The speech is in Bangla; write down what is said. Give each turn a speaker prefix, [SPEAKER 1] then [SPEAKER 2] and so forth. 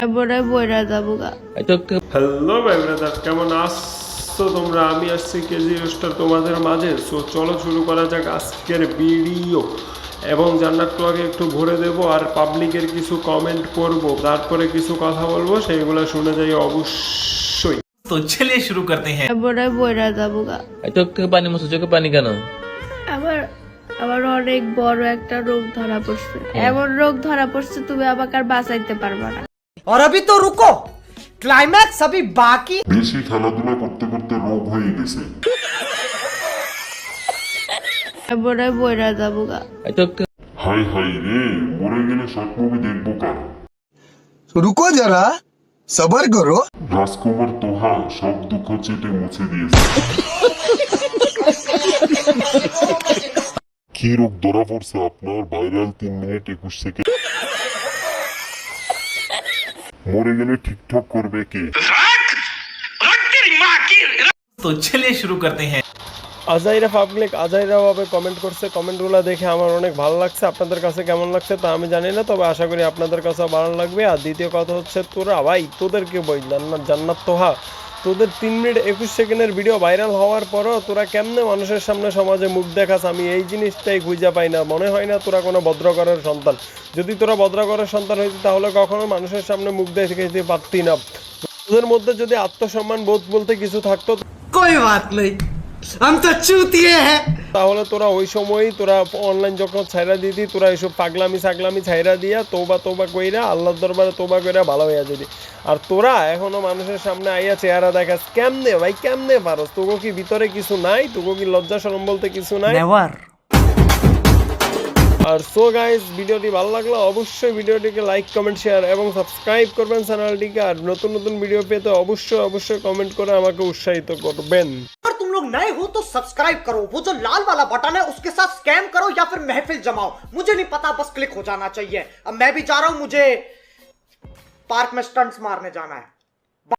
[SPEAKER 1] হ্যালো ভাই ব্রাদার, কেমন আসছো তোমরা? আমি আসছি কেজি রোস্টার তোমাদের মাঝে। সো চলো শুরু করা যাক আজকের ভিডিও। এবং জান্নাত ক্লকে একটু ভরে দেব আর পাবলিকের কিছু কমেন্ট পড়বো, তারপরে কিছু কথা বলবো, সেইগুলো শুনে যাই অবশ্যই।
[SPEAKER 2] तो चलिए शुरू करते हैं।
[SPEAKER 3] চোখ থেকে পানি মুছো, চোখে পানি কেন?
[SPEAKER 4] আমার আমার অনেক বড় একটা রোগ ধরা পড়ছে। এমন রোগ ধরা পড়ছে তুমি আমাকে আর বাঁচাইতে পারবা না।
[SPEAKER 5] और अभी तो रुको, क्लाइमैक्स अभी बाकी।
[SPEAKER 6] বেশি খেলাধুলা করতে করতে রোগ হয়ে গেছে।
[SPEAKER 3] চোখ থেকে
[SPEAKER 6] হাই হাই রে, মরে গেলে শর্ট মুভি দেখবো কার?
[SPEAKER 7] रुको जरा सबर करो।
[SPEAKER 6] রাজকুমার তোহা সব দুঃখ চেটে মুছে দিয়েছে। কি রোগ ধরা পড়ছে আপনার? Viral 3 minute 21 second. মরে গেলে ঠিকঠাক করবে কে?
[SPEAKER 2] तो चलिए शुरू करते हैं।
[SPEAKER 1] আজাইরা পাবলিক আজাইরা ভাবে কমেন্ট করছে। কমেন্টগুলো দেখে আমার অনেক ভালো লাগছে। আপনাদের কাছে কেমন লাগছে তা আমি জানি না, তবে আশা করি আপনাদের কাছে ভালো লাগবে। আর দ্বিতীয় কথা হচ্ছে, তোরা ভাই তোদেরকে বই জান্নাত তোহা, তোদের 3 মিনিট 21 সেকেন্ডের ভিডিও ভাইরাল হওয়ার পরও তোরা কেমনে মানুষের সামনে সমাজে মুখ দেখাস, আমি এই জিনিসটাই খুঁজে পাই না। মনে হয় না তোরা কোনো ভদ্রঘরের সন্তান। যদি তোরা ভদ্রঘরের সন্তান হইতি তাহলে কখনো মানুষের সামনে মুখ দেখাইতে পারতি না। তোদের মধ্যে যদি আত্মসম্মান বোধ বলতে কিছু থাকতো
[SPEAKER 5] कोई बात नहीं, हम तो चूतिए हैं।
[SPEAKER 1] তাহলে তোরা ওই সময়ই তোরা অনলাইন যখন ছাইরা দিতি, তোরা এইসব পাগলামি ছাগলামি ছাইরা দিয়া তোবা কইরা আল্লাহর দরবারে তোবা কইরা ভালো হইয়া যেতি। আর তোরা এখনো মানুষের সামনে আইয়া চেহারা দেখাস কেমনে ভাই? কেমনে পারস? তোকে কি ভিতরে কিছু নাই? তোকে কি লজ্জা শরম বলতে কিছু নাই?
[SPEAKER 5] नेवर।
[SPEAKER 1] আর সো গাইস, ভিডিওটি ভালো লাগলে অবশ্যই ভিডিওটিকে লাইক কমেন্ট শেয়ার এবং সাবস্ক্রাইব করবেন চ্যানেলটিকে। আর নতুন নতুন ভিডিও পেতে অবশ্যই কমেন্ট করে আমাকে উৎসাহিত করবেন।
[SPEAKER 5] अगर तुम लोग नए हो तो सब्सक्राइब करो, वो जो लाल वाला बटन है उसके साथ स्कैम करो या फिर महफिल जमाओ, मुझे नहीं पता, बस क्लिक हो जाना चाहिए। अब मैं भी जा रहा हूं, मुझे पार्क में स्टंट्स मारने जाना है।